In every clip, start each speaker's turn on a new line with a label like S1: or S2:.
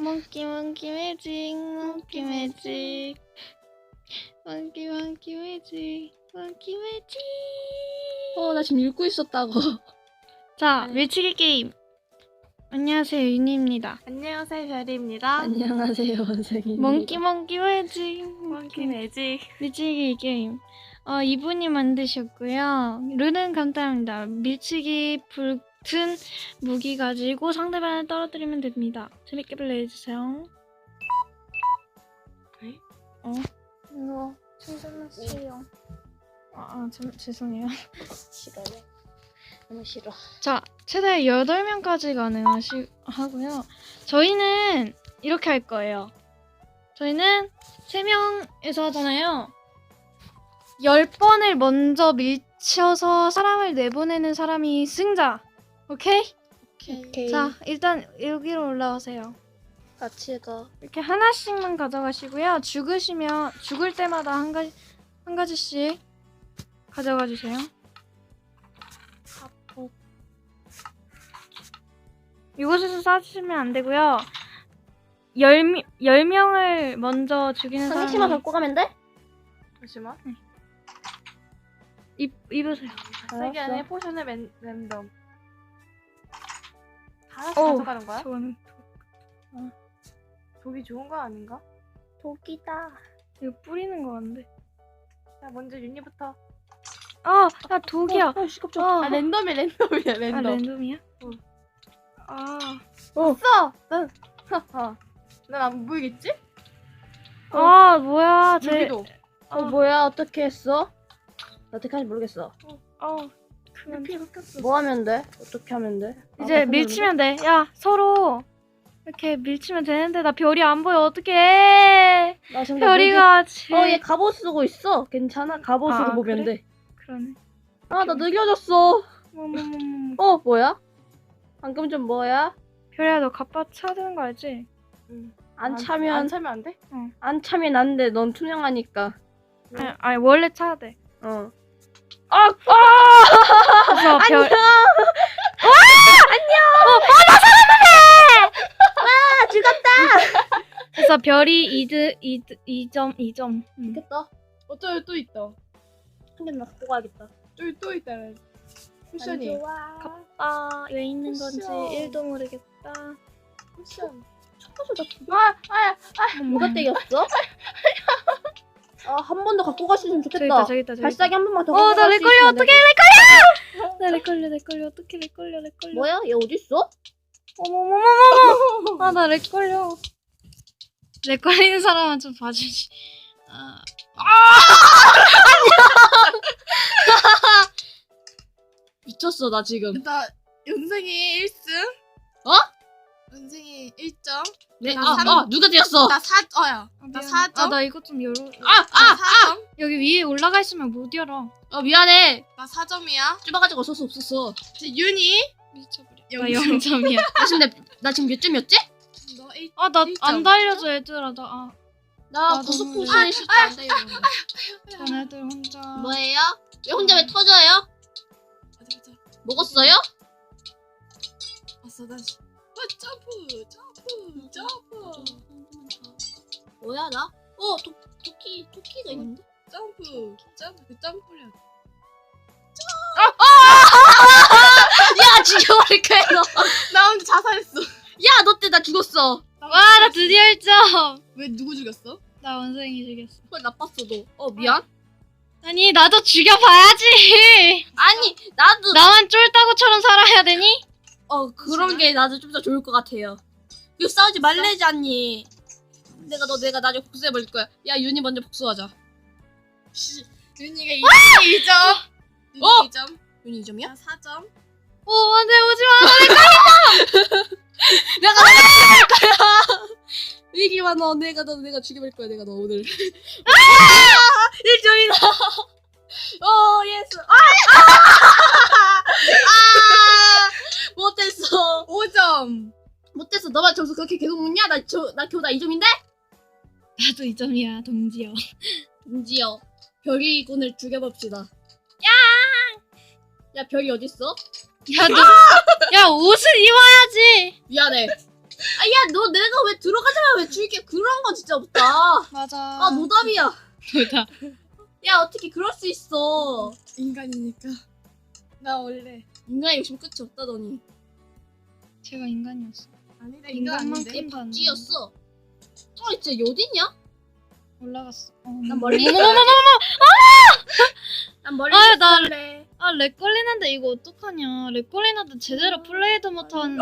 S1: 몽키 몽키 매직 몽키 매직 몽키 몽키 매직 몽키 매직.
S2: 나 지금 읽고 있었다고.
S1: 자, 밀치기 게임. 안녕하세요, 윤희입니다.
S3: 안녕하세요, 별이입니다.
S2: 안녕하세요, 원생입니다.
S1: 몽키 몽키 매직
S3: 몽키 매직.
S1: 밀치기 게임. 이분이 만드셨고요. 룰은 간단합니다. 밀치기 붙은 무기 가지고 상대방을 떨어뜨리면 됩니다. 재밌게 플레이해주세요. 이거 충전했어요. 죄송해요.
S2: 싫어요. 너무 싫어.
S1: 자, 최대 8명까지 가능하고요. 저희는 이렇게 할 거예요. 저희는 3명에서 하잖아요. 10번을 먼저 밀쳐서 사람을 내보내는 사람이 승자. 오케이?
S2: 오케이.
S1: 자, 일단 여기로 올라오세요.
S2: 같이 가.
S1: 이렇게 하나씩만 가져가시고요. 죽을 때마다 한 가지씩 가져가 주세요. 이곳에서 쏴주시면 안 되고요. 10명을 먼저 죽이는
S2: 한 개씩만
S1: 사람이
S2: 갖고 가면 돼?
S3: 잠시만.
S1: 입으세요.
S3: 세개
S2: 알았어.
S3: 안에 포션을 랜덤. 하나씩
S1: 오,
S3: 가져가는 거야?
S1: 저는
S3: 독이 좋은 거 아닌가?
S2: 독이다.
S1: 이거 뿌리는 거 같은데.
S3: 자, 먼저 윤희부터.
S1: 야 독이야.
S2: 시끄럽죠.
S3: 아, 랜덤이야, 랜덤.
S1: 랜덤이야?
S3: 써! 난 안 보이겠지?
S1: 뭐야?
S3: 여기도.
S2: 뭐야? 어떻게 했어? 나 어떻게 하는지 모르겠어.
S1: 그만.
S3: 피 섞였어.
S2: 뭐 하면 돼? 어떻게 하면 돼?
S1: 이제 밀치면 돼. 야, 서로 이렇게 밀치면 되는데 나 별이 안 보여. 어떡해?
S2: 나 지금
S1: 별이가
S2: 얘 갑옷 쓰고 있어. 괜찮아. 갑옷으로 보면
S1: 그래?
S2: 돼.
S1: 그러네.
S2: 나 느껴졌어. 뭐야? 방금 좀 뭐야?
S1: 별이야, 너 갑바 차야 되는 거 알지?
S2: 안
S3: 안
S2: 차면
S3: 차면 안 돼?
S2: 안 차면 안 돼. 넌 투명하니까.
S1: 아니 원래 차야 돼.
S2: 어.
S1: 그래서 별.
S2: 죽었다.
S1: 그래서 별이 2점.
S2: 됐다.
S3: 저기 또 있다.
S2: 한 개나 갖고 가야겠다.
S3: 저기 또 있다. 쿠션이.
S1: 왜 있는 건지
S3: 쿠션.
S1: 1도 모르겠다.
S3: 쿠션.
S2: 첫 번째 나
S1: 뭐
S2: 누가 때렸어? 한 번 더 갖고 갔으면
S1: 저기
S2: 좋겠다.
S1: 있다, 저기 있다.
S2: 발사기 한 번만 더
S1: 나
S2: 갖고 갈수
S1: 렉 걸려.
S2: 있으면
S1: 어떡해,
S2: 안
S1: 렉 걸려. 어떻게 렉 걸려.
S2: 돼. 뭐야? 얘 어딨어?
S1: 어머머머머머. 나 렉 걸려. 렉 걸리는 사람은 좀 봐주지.
S2: 미쳤어 나 지금.
S3: 나 연생이 1승.
S2: 어?
S3: 연생이 1점.
S2: 네.
S3: 나 삼-
S2: 누가 때렸어?
S3: 나 4점. 나 4점.
S1: 나 이거 좀 열어.
S3: 나 4점.
S1: 여기 위에 올라가 있으면 못 열어.
S2: 미안해.
S3: 나 4점이야.
S2: 좁아가지고 어쩔 수 없었어.
S3: 이제 윤희.
S1: 미쳐버려. 나
S3: 영점.
S1: 0점이야.
S2: 나 지금 몇 점이었지?
S3: 너 1점.
S1: 나 안 달려줘 얘들아.
S2: 나
S1: 나도
S2: 구속
S1: 모르겠어.
S2: 포션이 쉽지 않다.
S1: 자네들 혼자.
S2: 뭐예요? 왜 혼자 왜 터져요?
S3: 맞아.
S2: 먹었어요?
S3: 왔어 다시. 점프.
S2: 뭐야 나? 토끼가 있는데?
S3: 점프를.
S2: 야 죽여버릴 거야 너.
S3: 나 혼자 자살했어.
S2: 야 너 때 나 죽었어.
S1: 와, 나 드디어 1점.
S3: 왜 누구 죽였어?
S1: 나 원생이 죽였어.
S2: 그걸 나빴어 너. 미안.
S1: 아니, 나도 죽여봐야지.
S2: 아니 나도
S1: 나만 쫄따구처럼 살아야 되니?
S2: 그런 게 나도 좀 더 좋을 것 같아요. 이거 싸우지 말래지 않니? 내가 나중에 복수해버릴 거야. 야 윤이 먼저 복수하자.
S3: 윤희가 2점. 윤희 2점.
S2: 윤이 2점이야?
S3: 나 4점.
S1: 안 돼, 오지 마.
S2: 내가 죽여버릴 거야. 위기만 내가 죽여버릴 거야. 내가 너 오늘. 1점이다. 예스. 못했어.
S3: 5점.
S2: 못했어. 너만 점수 그렇게 계속 먹냐? 나 겨우 2점인데?
S1: 나도 2점이야, 동지여.
S2: 은지요. 별이군을 죽여봅시다. 야 별이 어딨어?
S1: 야, 옷을 입어야지.
S2: 미안해. 야, 너 내가 왜 들어가자마자 왜 줄게? 그런 거 진짜 없다.
S1: 맞아.
S2: 아, 노답이야.
S1: 뭐다.
S2: 야, 어떻게 그럴 수 있어.
S3: 인간이니까. 나 원래
S2: 인간의 욕심 끝이 없다더니.
S1: 제가 인간이었어.
S3: 아니다 인간 아닌데.
S1: 인간만큼 도 안 돼.
S2: 찌였어. 진짜 얘 어딨냐?
S1: 올라갔어.
S2: 난 멀리
S1: 어머머머머머!
S2: 난 멀리
S1: 아, 나
S2: 있을래.
S1: 아, 렉 걸리는데 이거 어떡하냐. 렉 걸리는데 제대로 플레이도 못하는데.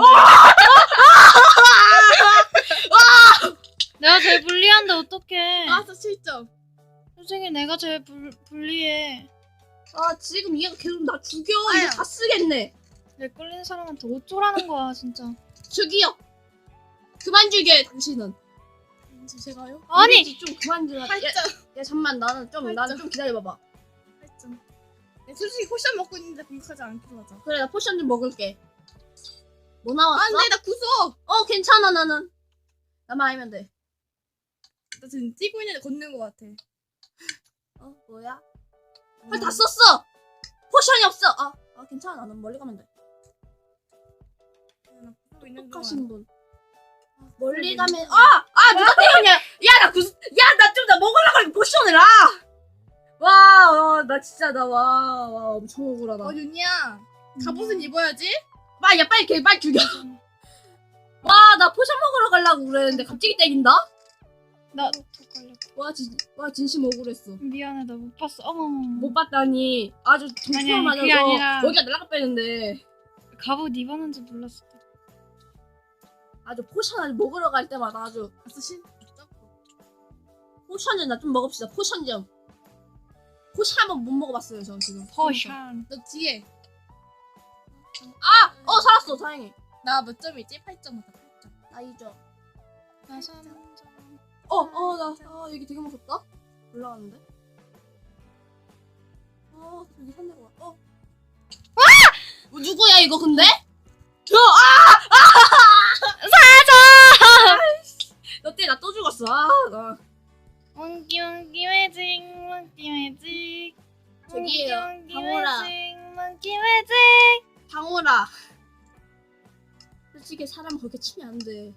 S1: 내가 제일 불리한데 어떡해.
S3: 나와서 7점.
S1: 솔직히 내가 제일 불리해.
S2: 아, 지금 얘가 계속 나 죽여.
S3: 아야.
S2: 이거 다 쓰겠네.
S1: 렉 걸리는 사람한테 어쩌라는 거야, 진짜.
S2: 죽여. 그만 죽여, 당신은.
S3: 제가요?
S1: 아니!
S2: 우리 좀 그만 죽여.
S3: 8점.
S2: 야, 잠만, 나는 좀
S3: 팔점.
S2: 기다려봐봐.
S3: 8점. 솔직히 포션 먹고 있는데 공격하지 않기로 하자.
S2: 그래, 나 포션 좀 먹을게. 뭐 나왔어?
S3: 안돼 나 구속.
S2: 괜찮아, 나는. 나만 아니면 돼.
S3: 나 지금 뛰고 있는데 걷는 것 같아.
S2: 뭐야? 다 썼어! 포션이 없어! 괜찮아. 나는 멀리 가면 돼.
S3: 나 구속 있는
S2: 똑하신
S3: 동안.
S2: 분. 멀리 가면, 누가 때렸냐! 야, 나 나 먹으려고 하니까 포션을, 나 진짜, 엄청 억울하다.
S3: 윤이야. 갑옷은 입어야지.
S2: 야, 빨리 죽여. 나 포션 먹으러 가려고 그랬는데 갑자기 때린다?
S1: 나도 걸렸다.
S2: 진심 억울했어.
S1: 미안해, 나 못 봤어. 어머머.
S2: 못 봤다니, 아주
S1: 아니,
S2: 정말 맞아서
S1: 그게 아니라-
S2: 거기가 날아가 빼는데,
S1: 갑옷 입었는지 몰랐어.
S2: 아주 포션 아주 먹으러 갈 때마다 아주,
S3: 가서 신.
S2: 포션 좀 나 좀 먹읍시다, 포션 좀. 포션 한번 못 먹어봤어요, 저 지금.
S1: 포션.
S3: 너 뒤에.
S2: 살았어, 다행히.
S3: 나 몇 점이지? 8점 맞다. 8점.
S2: 나 2점.
S1: 나 3점.
S2: 여기 되게 무섭다? 올라갔는데? 여기 산 데가 누구야, 이거 근데? 너 때문에 나 또 죽었어.
S1: 몽키 매직, 몽키 매직.
S2: 저기예요,
S1: 몽키
S2: 방울아.
S1: 매직, 몽키 매직.
S2: 방울아. 솔직히 사람 그렇게 치면 안 돼.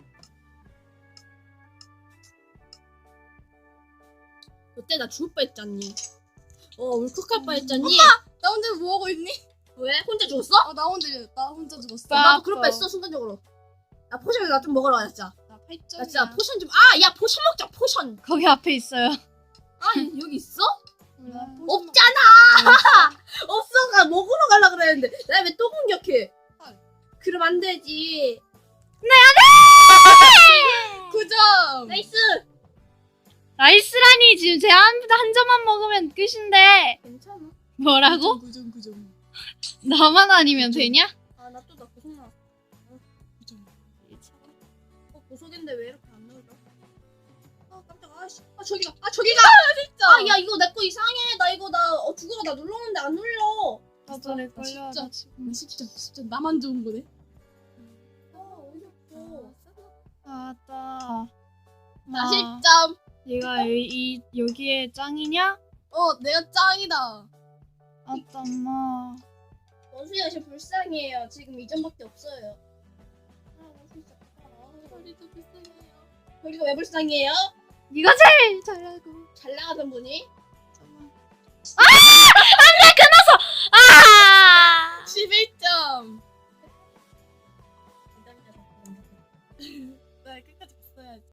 S2: 그때 나 죽을 뻔했잖니. 울컥할 뻔했잖니.
S3: 나 혼자 뭐 하고 있니?
S2: 왜? 혼자 죽었어?
S3: 나 혼자 죽었어.
S2: 나도 그럴 뻔했어, 순간적으로. 나 포션 나 좀 먹으러 가자, 진짜.
S3: 나 8점.
S2: 나 진짜 포션 좀. 야, 포션 먹자, 포션.
S1: 거기 앞에 있어요.
S2: 여기 있어?
S3: 나
S2: 없잖아. 없어. 나 먹으러 가려 그랬는데. 나 왜 또 공격해? 그럼 안 되지.
S3: 9점.
S2: 나이스.
S1: 나이스라니, 지금 제 한 점만 먹으면 끝인데.
S2: 괜찮아.
S1: 뭐라고?
S3: 9점.
S1: 나만 아니면 되냐?
S2: 나 고속 나왔어. 고속인데 왜 이렇게 안 나오죠? 깜짝아. 저기가.
S3: 진짜.
S2: 야, 이거 내 거 이상해. 나 이거 죽어가 나 눌렀는데 안 눌러.
S1: 나도 렉 걸려.
S3: 진짜.
S1: 나 지금.
S3: 10점. 나만 좋은 거네.
S2: 어이없어.
S1: 맞다.
S3: 나 10점.
S1: 얘가 여기에 짱이냐?
S3: 내가 짱이다.
S1: 아따, 엄마.
S2: 원수야, 저 불쌍해요. 지금 2점밖에 없어요. 진짜.
S3: 우리도 불쌍해요.
S2: 우리가 왜 불쌍해요?
S1: 네가 제일 잘하고.
S2: 잘 나가던 분이?
S1: 아!
S3: 11점. 나 끝까지 봤어야지.